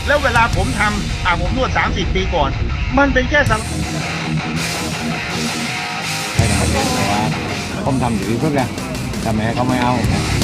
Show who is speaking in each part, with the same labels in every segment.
Speaker 1: แล้วเวลาผมทำผมนวด30 ปีก่อนมันเป็นแค่สัง
Speaker 2: ให้ทำเองแต่ว่าผมทำอยู่เพื่อนทำไมเขาไม่เอา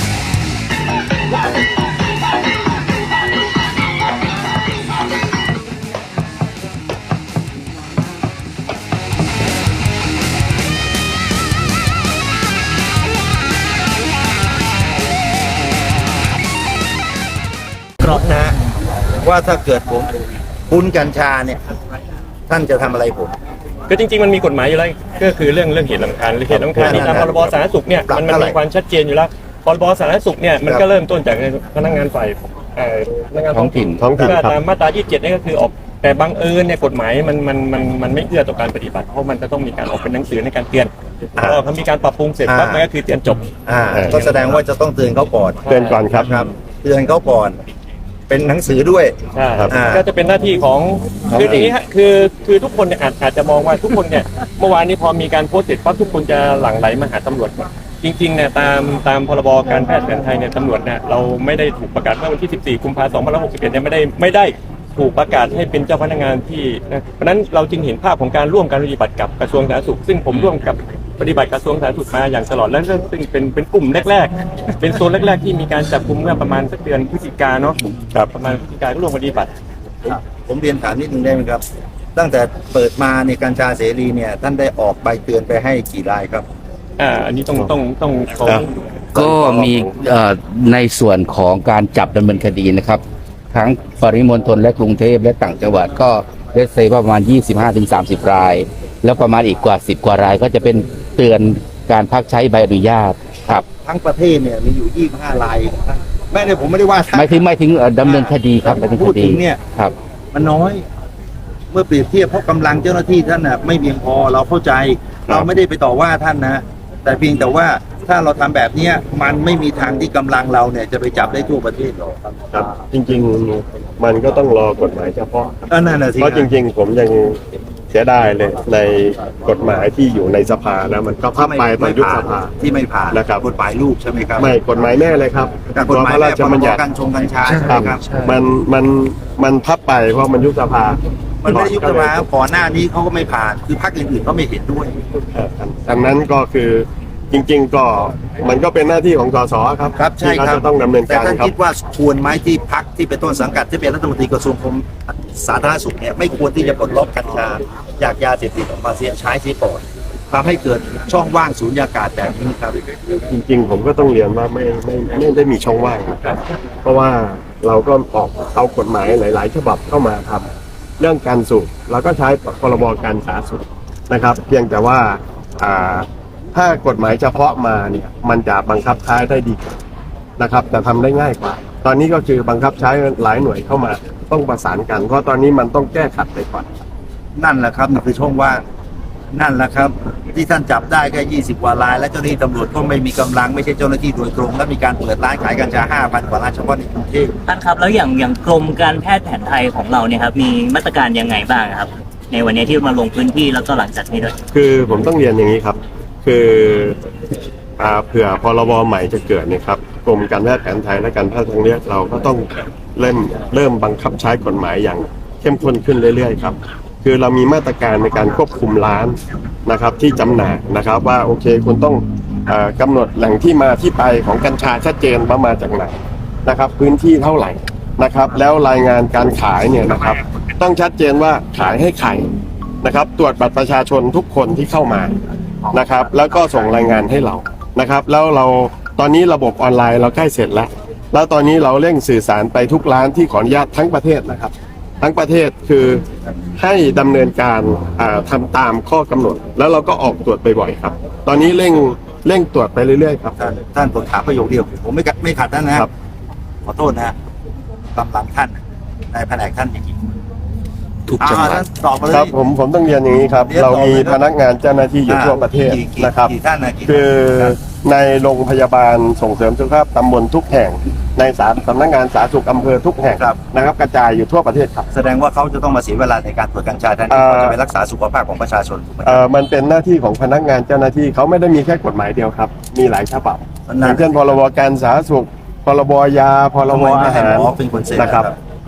Speaker 1: กรอบนะว่าถ้าเกิดผมปุ้นกัญชาเนี่ยท่านจะทำอะไรผม
Speaker 3: ก็จริงๆมันมีกฎหมายอยู่แล้วก็คือเรื่องเหตุรำคาญเหตุรำคาญนี่ตามพรบสาธารณสุขเนี่ยมันมีความชัดเจนอยู่แล้วพรบสาธารณสุขเนี่ยมันก็เริ่มต้นจากพนักงานฝ่ายพนักงานท้องถิ่นตามมาตรา27นี่ก็คือออกแต่บังเอิญเนี่ยกฎหมายมันไม่เอื้อต่อการปฏิบัติเพราะมันจะต้องมีการออกเป็นหนังสือในการเตือนพอมีการปรับปรุงเสร็จปั๊บมันก็คือเตือนจบ
Speaker 1: ก็แสดงว่าจะต้องเตือนเขาก่อน
Speaker 2: ครับ
Speaker 1: เตือนเขาก่อนเป็นหนังสือด้วย
Speaker 3: ใช่ครับก็จะเป็นหน้าที่ของคืออย่างนี้ฮะคือทุกคนเนี่ยอาจจะมองว่าทุกคนเนี่ยเมื่อวานนี้พอมีการโพสต์เสร็จปั๊บทุกคนจะหลั่งไหลมาหาตำรวจจริงๆเนี่ยตามพรบการแพทย์แผนไทยเนี่ยตำรวจเนี่ยเราไม่ได้ถูกประกาศเมื่อวันที่14 กุมภาพันธ์ 2561เนี่ยไม่ได้ถูกประกาศให้เป็นเจ้าพนักงานที่เพราะนั้นเราจึงเห็นภาพของการร่วมการปฏิบัติกับกระทรวงสาธารณสุขซึ่งผมร่วมกับปฏิบัติกระทรวงสาธารณสุขมาอย่างตลอดแล้วซึ่งเป็นกลุ่มแรกๆเป็นโซนแรกๆที่มีการจับกุมเมื่อประมาณสักเดือนพฤศจิกาเนาะประมาณพฤศจิกาก็ร่วมปฏิบัติ
Speaker 1: ผมเรียนถามนิดนึงได้ไหมครับตั้งแต่เปิดมาในกัญชาเสรีเนี่ยท่านได้ออกใบเตือนไปให้กี่รายครับ
Speaker 3: อันนี้ต้อง
Speaker 4: ก็มีในส่วนของการจับดำเนินคดีนะครับทั้งปริมณฑลและกรุงเทพและต่างจังหวัดก็เลสเซประมาณ 25-30 รายแล้วประมาณอีกกว่า10 กว่ารายก็จะเป็นเตือนการพักใช้ใบอนุญาตครับ
Speaker 1: ทั้งประเทศเนี่ยมีอยู่25รายไม่ได้ผมไม่ได้ว่า
Speaker 4: ไม่ถึงดำเนินคดีครับ
Speaker 1: พูดถึงเนี่ย
Speaker 4: ครับ
Speaker 1: มันน้อยเมื่อเปรียบเทียบเพราะกำลังเจ้าหน้าที่ท่านน่ะไม่เพียงพอเราเข้าใจเราไม่ได้ไปต่อว่าท่านนะแต่เพียงแต่ว่าถ้าเราทำแบบนี้มันไม่มีทางที่กำลังเราเนี่ยจะไปจับได้ทั่วประเทศหรอก
Speaker 5: ครับจริงๆมันก็ต้องรอกฎหมายเฉพาะ
Speaker 1: นั่นแหละสิ
Speaker 5: เพราะจริงๆผมยังเสียดายเลยในกฎหมายที่อยู่ในสภานะมันก็พับไปตอนยุบสภา
Speaker 1: ที่ไม่ผ่าน
Speaker 5: นะครับ
Speaker 1: กฎหมายลูกใช่ไหมครับ
Speaker 5: ไม่กฎหมายแม่เลยครับ
Speaker 1: กฎหมายพระราชบัญญัติกัญชาใช่ไหมครับ
Speaker 5: มันพับไปเพราะมันยุบสภา
Speaker 1: มันไม่ได้ยุบสภาก่อนหน้านี้เขาก็ไม่ผ่านคือพรรคอื่นๆเขาไม่เห็นด้วย
Speaker 5: ดังนั้นก็คือจริงๆก็มันก็เป็นหน้าที่ของสสครับ
Speaker 1: ใช่ครับ
Speaker 5: จะต้องดำเนินการ
Speaker 1: แต่ท่านคิดว่าควรไหมที่พรรคที่เป็นต้นสังกัดที่เป็นรัฐมนตรีกระทรวงสาธารณสุขเนี่ยไม่ควรที่จะปลดล็อกกัญชาจากยาเสพติดออกมาใช้เสียก่อนทำให้เกิดช่องว่างสูญญากาศแบบนี้ครับ
Speaker 5: จริงๆผมก็ต้องเรียนว่าไม่ได้มีช่องว่างครับเพราะว่าเราก็ออกเอากฎหมายหลายๆฉบับเข้ามาทำเรื่องการสูบเราก็ใช้พรบการสาธารณสุขนะครับเพียงแต่ว่าถ้ากฎหมายเฉพาะมาเนี่ยมันจะบังคับใช้ได้ดีนะครับแต่ทำได้ง่ายกว่าตอนนี้ก็คือบังคับใช้หลายหน่วยเข้ามาต้องประสานกันเพราะตอนนี้มันต้องแก้ขัดไปก่อน
Speaker 1: นั่นแหละครับนี่คือช่องว่างนั่นแหละครับที่ท่านจับได้แค่20 กว่ารายและเจ้าหน้าที่ตำรวจก็ไม่มีกำลังไม่ใช่เจ้าหน้าที่โดยตรงและมีการเปิดร้านขายกัญชา 5,000 กว่าร้านเฉพาะในกรุงเทพ
Speaker 6: ท่านครับแล้วอย่างกรมการแพทย์แผนไทยของเราเนี่ยครับมีมาตรการยังไงบ้างครับในวันนี้ที่มาลงพื้นที่แล้วก็หลังจากนี้ด้วย
Speaker 5: คือผมต้องเรียนอย่างนี้ครับคือเผื่อพรบใหม่จะเกิดเนี่ยครับกรมการแพทย์แผนไทยและการแพทย์ทางเลือกเราก็ต้องเริ่มบังคับใช้กฎหมายอย่างเข้มข้นขึ้นเรื่อยๆครับคือเรามีมาตรการในการควบคุมร้านนะครับที่จำหน่ายนะครับว่าโอเคคุณต้องกำหนดแหล่งที่มาที่ไปของกัญชาชัดเจนว่ามาจากไหนนะครับพื้นที่เท่าไหร่นะครับแล้วรายงานการขายเนี่ยนะครับต้องชัดเจนว่าขายให้ใครนะครับตรวจบัตรประชาชนทุกคนที่เข้ามานะครับแล้วก็ส่งรายงานให้เรานะครับแล้วเราตอนนี้ระบบออนไลน์เราใกล้เสร็จแล้วตอนนี้เราเร่งสื่อสารไปทุกร้านที่ขออนุญาตทั้งประเทศนะครับทั้งประเทศคือให้ดำเนินการทำตามข้อกำหนดแล้วเราก็ออกตรวจบ่อยๆครับตอนนี้เร่งตรวจไปเรื่อยๆครับ
Speaker 1: ท่านผมถามประโยคเดียวผมไม่ขัดท่านนะครับขอโทษนะกำลังท่านในแผนกท่านจริงๆ
Speaker 4: ทุกจังหวัด
Speaker 5: ครับผมต้องเรียนอย่างนี้ครับเรามีพนักงานเจ้าหน้าที่อยู่ทั่วประเทศนะครับคือในโรงพยาบาลส่งเสริมสุขภาพตำบลทุกแห่งในสำนักงานสาธารณสุขอำเภอทุกแห่งนะครับกระจายอยู่ทั่วประเทศครับ
Speaker 1: แสดงว่าเขาจะต้องมาเสียเวลาในการตรวจกัญชาแทนที่เขาจะไปรักษาสุขภาพของประชาชนถูกไหม
Speaker 5: มันเป็นหน้าที่ของพนักงานเจ้าหน้าที่เขาไม่ได้มีแค่กฎหมายเดียวครับมีหลายฉบับอย่างเช่นพรบการสาธารณสุขพรบยาพรบอาหารนะครับก็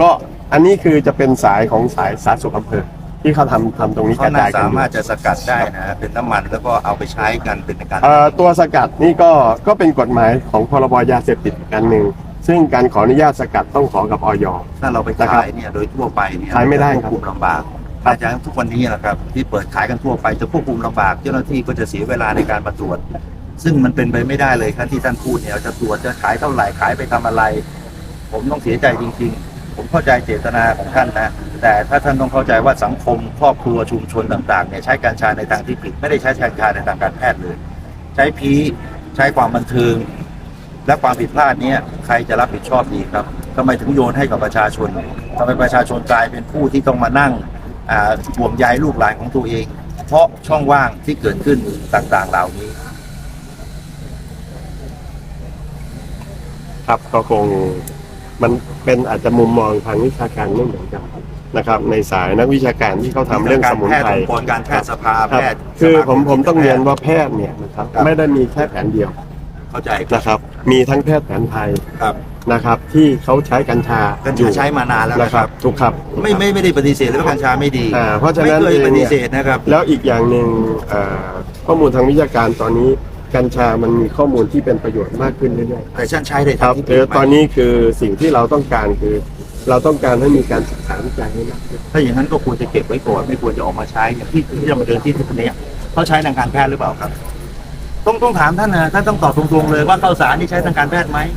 Speaker 5: อันนี้คือจะเป็นสายของสายสาธารณสุขอำเภอที่เขาทำตรงนี้ก
Speaker 1: เขา
Speaker 5: ระ
Speaker 1: น่า
Speaker 5: จายกัน
Speaker 1: สา
Speaker 5: อยู่
Speaker 1: มารถจะสกัดได้นะ เป็นน้ำมันแล้วก็เอาไปใช้กันเป็นการ
Speaker 5: ตัวสกัดนี่ก็เป็นกฎหมายของพรบยาเสพติดอีกอันหนึ่งซึ่งการขออนุญาตสกัดต้องขอกับอย
Speaker 1: ถ้าเราไปขายเนี่ยโดยทั่วไปเนี่ย
Speaker 5: ขายไม่ได้ครับ
Speaker 1: ควบคุมลำบากอาจารย์ทุกวันนี้นะครับที่เปิดขายกันทั่วไปจะควบคุมลำบากเจ้าหน้าที่ก็จะเสียเวลาในการมาตรวจ ซึ่งมันเป็นไปไม่ได้เลยครับที่ท่านพูดเนี่ยจะตรวจจะขายเท่าไหร่ขายไปทำอะไร ผมต้องเสียใจจริงๆ ผมเข้าใจเจตนาของท่านนะ แต่ถ้าท่านต้องเข้าใจว่าสังคมครอบครัวชุมชนต่างๆเนี่ยใช้กัญชาในทางที่ผิดไม่ได้ใช้กัญชาในทางการแพทย์เลย ใช้พีใช้ความบันเทิง และความผิดพลาดเนี้ยใครจะรับผิดชอบดีครับทำไมถึงโยนให้กับประชาชนทำไมประชาชนกลายเป็นผู้ที่ต้องมานั่งห่วงใยลูกหลานของตัวเอง เพราะช่องว่างที่เกิดขึ้นต่างๆเหล่านี้
Speaker 5: ครับก็คงมันเป็นอาจจะมุมมองทางวิชาการไม่เหมือนกันนะครับ ในสายนักวิชาการที่เขาทำเรื่องสมุนไพร
Speaker 1: องค์กรการแพทย์สภา
Speaker 5: ค
Speaker 1: แพ
Speaker 5: รับ
Speaker 1: ทย์
Speaker 5: คือ
Speaker 1: สา
Speaker 5: ผมต้องเรียนว่าแพทย์เนี่ยนะครับไม่ได้มีแค่แผนเดียว
Speaker 1: เข้าใจ
Speaker 5: นะครับ มีทั้งแพทย์แผนไทย
Speaker 1: ครับ
Speaker 5: นะครับ ที่เขาใช้กัญชา
Speaker 1: กัญ
Speaker 5: อยู่
Speaker 1: ชาใช้มานานแล้ว
Speaker 5: นะ
Speaker 1: นะ
Speaker 5: ค
Speaker 1: ค
Speaker 5: รั
Speaker 1: รั
Speaker 5: บบ ถูกครับ
Speaker 1: ไม่ได้ปฏิเสธเลยว่ากัญชาไม่ดี
Speaker 5: เพราะฉะนั้น
Speaker 1: ไม่เคย
Speaker 5: เอง
Speaker 1: ปฏิ
Speaker 5: เนี่ย
Speaker 1: เสธนะครับ
Speaker 5: แล้วอีกอย่างหนึ่งข้อมูลทางวิชาการตอนนี้กัญชามันมีข้อมูลที่เป็นประโยชน์มากขึ้นเรื่อยๆ
Speaker 1: แต่ฉันใช้ใน
Speaker 5: ค
Speaker 1: ทา
Speaker 5: รั
Speaker 1: ง
Speaker 5: บ
Speaker 1: ที่ผิด
Speaker 5: ตอน
Speaker 1: ไหม
Speaker 5: นี้คือสิ่งที่เราต้องการคือ เราต้องการให้มีการศึกษาวิจัยให้มากขึ้น
Speaker 1: ถ้าอย่างนั้นก็ควรจะเก็บไว้ก่อนไม่ควรจะออกมาใช้อย่างที่จะมาเดินที่ทุกนี้เขาใช้ทางการแพทย์หรือเปล่าครับ ต้องถามท่านนะท่านต้องตอบตรงๆเลยว่าข้าวสารนี่ใช้ทางการแพทย์ไหม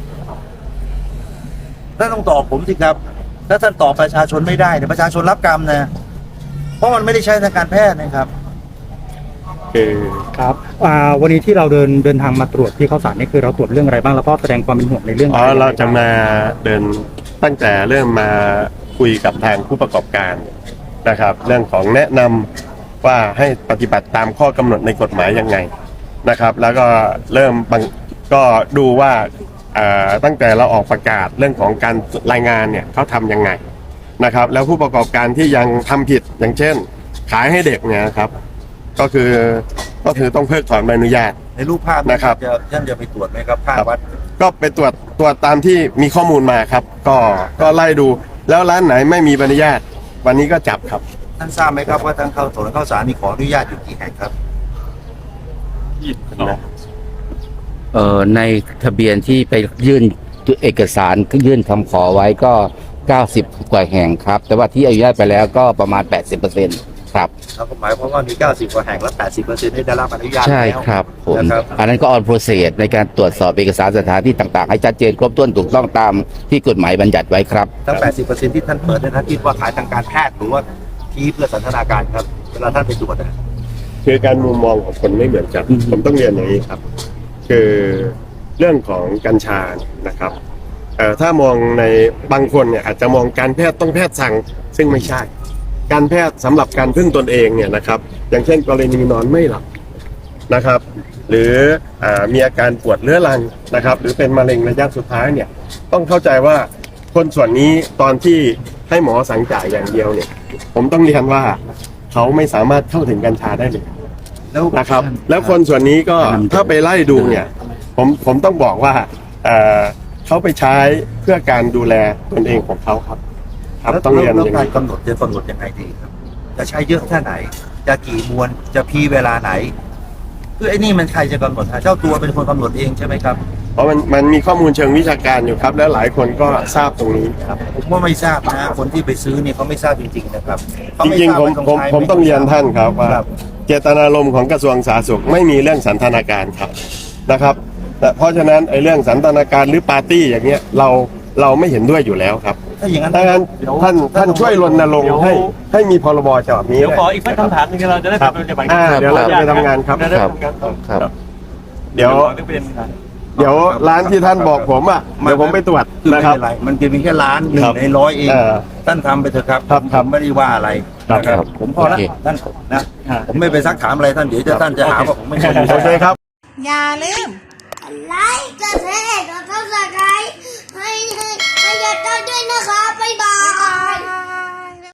Speaker 1: ท่านต้องตอบผมสิครับ ถ้าท่านตอบประชาชนไม่ได้เนี่ยประชาชนรับกรรมนะเพราะมันไม่ได้ใช้ทางการแพทย์นะครับ
Speaker 5: คือ
Speaker 7: ครับวันนี้ที่เราเดินทางมาตรวจที่ข้าวสารนี่คือเราตรวจเรื่องอะไรบ้างแล้วก็แสดงความเป็นห่วงในเรื่องอะไร
Speaker 5: เราจะมาเดินตั้งแต่เริ่มมาคุยกับทางผู้ประกอบการนะครับ เรื่องของแนะนำว่าให้ปฏิบัติตามข้อกำหนดในกฎหมายยังไงนะครับ แล้วก็เริ่มก็ดูว่าตั้งแต่เราออกประกาศเรื่องของการรายงานเนี่ยเขาทำยังไงนะครับ แล้วผู้ประกอบการที่ยังทำผิดอย่างเช่น ขายให้เด็กเนี่ยครับก็คือต้องเพิกถอนใบอนุญาต
Speaker 1: ในรูปภาพ
Speaker 5: นะครับ
Speaker 1: ท่านจะไปตรวจไหมครับภาพวัด
Speaker 5: ก็ไปตรวจตามที่มีข้อมูลมาครับ ก็ไล่ดูแล้วร้านไหนไม่มีใบอนุญาต วันนี้ก็จับครับ
Speaker 1: ท่านทราบไหมครับว่าทางเข้าถนนข้าวสารมีขออนุญาตอยู่กี่แห่งครับ
Speaker 4: ในทะเบียนที่ไปยื่นเอกสารยื่นคำขอไว้ก็ 90 กว่าแห่งครับ แต่ว่าที่อนุญาตไปแล้วก็ประมาณ 80%ครับ
Speaker 1: เราก็หมายความว่ามี 90 กว่าแห่งและ 80%ได้รับอนุญาต
Speaker 4: ใช่
Speaker 1: แล้ว
Speaker 4: ครับผม
Speaker 1: นะครับ
Speaker 4: อันนั้นก็ออนโปรเซสในการตรวจสอบเอกสารสถานที่ต่างๆ ให้ชัดเจนครบถ้วนถูกต้องตามที่กฎหมายบัญญัติไว้ครับ
Speaker 1: ทั้ง 80% ที่ท่านเปิดเนยท่านคิดว่าขายทางการแพทย์หรือว่าที่เพื่อสันทนาการครับ เวลาท่านไปตรวจนะ
Speaker 5: คือการมุมมองของคนไม่เหมือนกันผมต้องเรียนอย่างนี้ครับ คือเรื่องของกัญชานะครับถ้ามองในบางคนเนี่ยอาจจะมองการแพทย์ต้องแพทย์สั่งซึ่งไม่ใช่ การแพทย์สำหรับการพึ่งตนเองเนี่ยนะครับ อย่างเช่นกรณีนอนไม่หลับนะครับ หรือมีอาการปวดเรื้อรังนะครับ หรือเป็นมะเร็งระยะสุดท้ายเนี่ยต้องเข้าใจว่าคนส่วนนี้ตอนที่ให้หมอสั่งจ่ายอย่างเดียวเนี่ยผมต้องเรียนว่าเขาไม่สามารถเข้าถึงกัญชาได้เลย
Speaker 1: แล้ว
Speaker 5: นะครับ แล้วคนส่วนนี้ก็ถ้าไปไล่ดูเนี่ยผมต้องบอกว่าเขาไปใช้เพื่อการดูแลตนเองของเขาครับต้องเรียน
Speaker 1: แล้ว
Speaker 5: อย่าง
Speaker 1: การ
Speaker 5: นี้
Speaker 1: กำหนดจะกำหนดยังไงดีครับ จะใช้เยอะแค่ไหน จะกี่มวลจะพีเวลาไหนคือไอ้นี่มันใครจะกำหนดฮะเจ้าตัวเป็นคนกำหนดเองใช่ไหมครับ
Speaker 5: เพราะมันมีข้อมูลเชิงวิชาการอยู่ครับ แล้วหลายคนก็ทราบตรงนี้ครับ
Speaker 1: ผมว่าไม่ทราบนะคนที่ไปซื้อเนี่ยเขาไม่ทราบจริงๆนะครับเขา
Speaker 5: จ
Speaker 1: ไม่
Speaker 5: ริง
Speaker 1: ทา
Speaker 5: ๆ
Speaker 1: ว่า
Speaker 5: ผมต้องเรียนท่านครับว่า
Speaker 1: ครับ
Speaker 5: เจตนารมณ์ของกระทรวงสาธารณสุขไม่มีเรื่องสันทนาการครับนะครับเพราะฉะนั้นไอ้เรื่องสันทนาการหรือปาร์ตี้อย่างเงี้ยเราไม่เห็นด้วยอยู่แล้วครับ
Speaker 1: ถ้าอย่างนั้น
Speaker 5: ดังนั้นท่านช่วยรณรงค์ให้มีพรบฉบับนี้
Speaker 3: เดี๋ยวขออีกสักคำถามหนึงเราจะได้
Speaker 5: ครับ
Speaker 3: ปฏิบัติ
Speaker 5: เดี๋ยวเราจะไปทำงานครับ
Speaker 3: จะได้ทำงาน
Speaker 4: ครับ
Speaker 5: เดี๋ยวร้านที่ท่านบอกผมอ่ะเดี๋ยวผมไปตรวจ
Speaker 1: คือ
Speaker 5: นะ
Speaker 1: ไม่
Speaker 5: ครับ
Speaker 1: เป็นไรมันเป็นเพียงแค่ล้านหนึ่
Speaker 5: ครั
Speaker 1: ง
Speaker 5: บ
Speaker 1: ในร้อยเอง
Speaker 5: เออ
Speaker 1: ท่านทำไปเถอะครับ
Speaker 5: ครับ
Speaker 1: ผมไม่ได้ว่าอะไร
Speaker 5: ครับ
Speaker 1: นะครับผมพอละ
Speaker 4: โอเค
Speaker 1: ท่านนะผมไม่ไปซักถามอะไรท่านเดี๋ยวท่านจะหาว่าผมไม่ใช่
Speaker 5: โอเคครับ
Speaker 8: อย่าลืม
Speaker 9: ไลค์กดแชร์กดซับสไครต์ให้ยอดด้วยนะคะ บ๊ายบาย